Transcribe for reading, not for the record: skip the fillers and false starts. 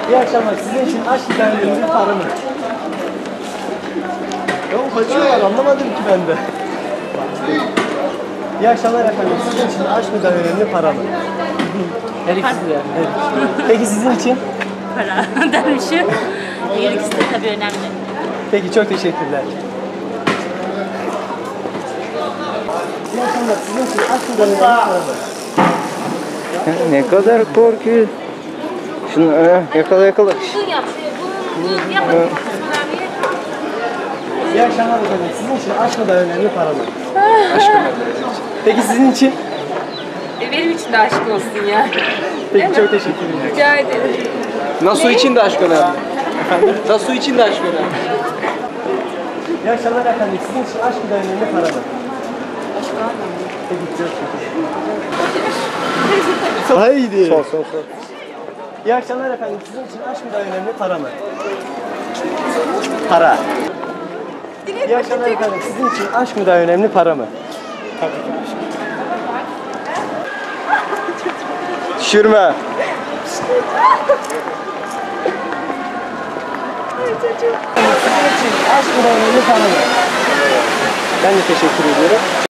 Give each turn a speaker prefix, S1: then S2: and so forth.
S1: İyi akşamlar. Sizin için aşk hikayelerinin para mı? Ya kaçıyorlar, anlamadım ki ben de. İyi akşamlar efendim. Sizin için aşk mı daha önemli, para mı?
S2: Her ikisi de yani.
S1: Peki sizin için?
S3: Para dermişim. Her ikisi de tabii önemli.
S1: Peki çok teşekkürler. İyi akşamlar. Sizin için aşk mı daha önemli, para mı?
S4: Ne kadar korkuyor. Şunu yakala yakala.
S3: Bu yapın.
S1: İyi akşamlar efendim. Sizin için aşk mı daha önemli, para mı?
S4: Aşkım.
S1: Peki sizin için?
S5: Benim için de aşk olsun ya.
S1: Peki çok teşekkür ederim.
S5: Rica ederim.
S4: Nasu için de aşk önemli. Nasu için de aşk önemli.
S1: İyi akşamlar efendim. Sizin için aşk mı daha önemli, para mı? Aşk daha önemli. Peki çok teşekkür Haydi.
S4: Sor.
S1: İyi akşamlar efendim. Sizin için aşk mı daha önemli, para mı? Para. İyi akşamlar efendim. Sizin için aşk mı daha önemli, para mı? Düşürme. Sizin için aşk mı daha önemli, para mı? Ben de teşekkür ediyorum.